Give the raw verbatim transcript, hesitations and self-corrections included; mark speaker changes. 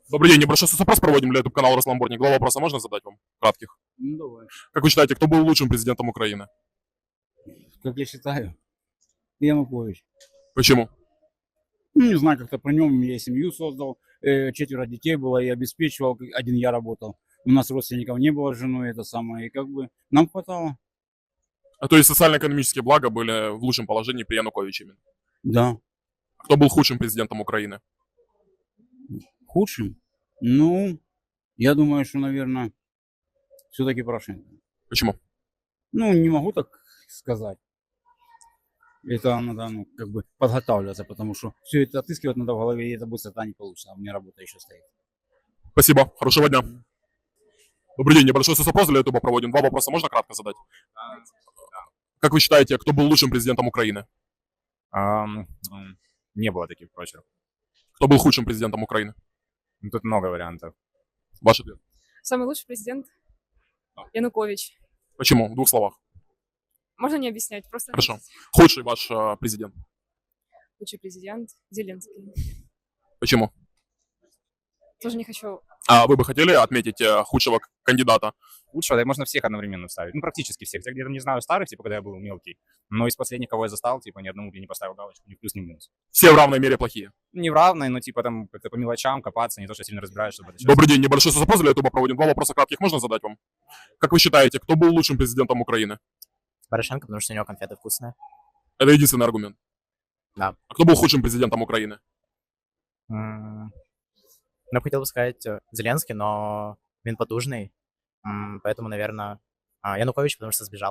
Speaker 1: Добрый день, небольшой соцопрос проводим для YouTube-канала Росламборник. Два вопроса можно задать вам? Кратких.
Speaker 2: Ну, давай.
Speaker 1: Как вы считаете, кто был лучшим президентом Украины?
Speaker 2: Как я считаю, Янукович.
Speaker 1: Почему?
Speaker 2: Ну, не знаю, как-то про нем я семью создал, э, четверо детей было, и обеспечивал, к- один я работал. У нас родственников не было с женой, это самое, и как бы нам хватало.
Speaker 1: А то есть социально-экономические блага были в лучшем положении при Януковиче именно.
Speaker 2: Да.
Speaker 1: Кто был худшим президентом Украины?
Speaker 2: Худшим? Ну, я думаю, что, наверное, все-таки Порошенко.
Speaker 1: Почему?
Speaker 2: Ну, не могу так сказать. Это надо, ну, как бы подготавливаться, потому что все это отыскивать надо в голове, и это быстро не получится, а у меня работа еще стоит.
Speaker 1: Спасибо, хорошего дня. Добрый день, небольшой соцопрос для YouTube проводим. Два вопроса можно кратко задать? Как вы считаете, кто был лучшим президентом Украины?
Speaker 3: Ам, м, не было таких прочерк.
Speaker 1: Кто был худшим президентом Украины?
Speaker 3: Ну, тут много вариантов.
Speaker 1: Ваш ответ.
Speaker 4: Самый лучший президент Янукович.
Speaker 1: Почему? В двух словах.
Speaker 4: Можно не объяснять, просто
Speaker 1: Хорошо. Худший ваш э, президент.
Speaker 4: лучший президент Зеленский.
Speaker 1: Почему?
Speaker 4: Тоже не хочу.
Speaker 1: А вы бы хотели отметить э, худшего к- кандидата?
Speaker 3: Лучше, да, можно всех одновременно вставить. Ну, практически всех. Я где-то не знаю старых, типа, когда я был мелкий. Но из последних, кого я застал, типа, ни одному не поставил галочку, ни в плюс, ни в минус.
Speaker 1: Все в равной мере плохие.
Speaker 3: Не в равной, но, типа, там, как-то по мелочам копаться, не то, что сильно разбираешь, чтобы это сейчас-
Speaker 1: Добрый день, небольшой соцопрос для YouTube проводим. Два вопроса кратких можно задать вам? Как вы считаете, кто был лучшим президентом Украины?
Speaker 5: Порошенко, потому что у него конфеты вкусные.
Speaker 1: Это единственный аргумент.
Speaker 5: Да.
Speaker 1: А кто был худшим президентом Украины?
Speaker 5: М, Ну, хотел бы сказать э, Зеленский, но він потужний, м, поэтому, наверное, Янукович, потому что сбежал.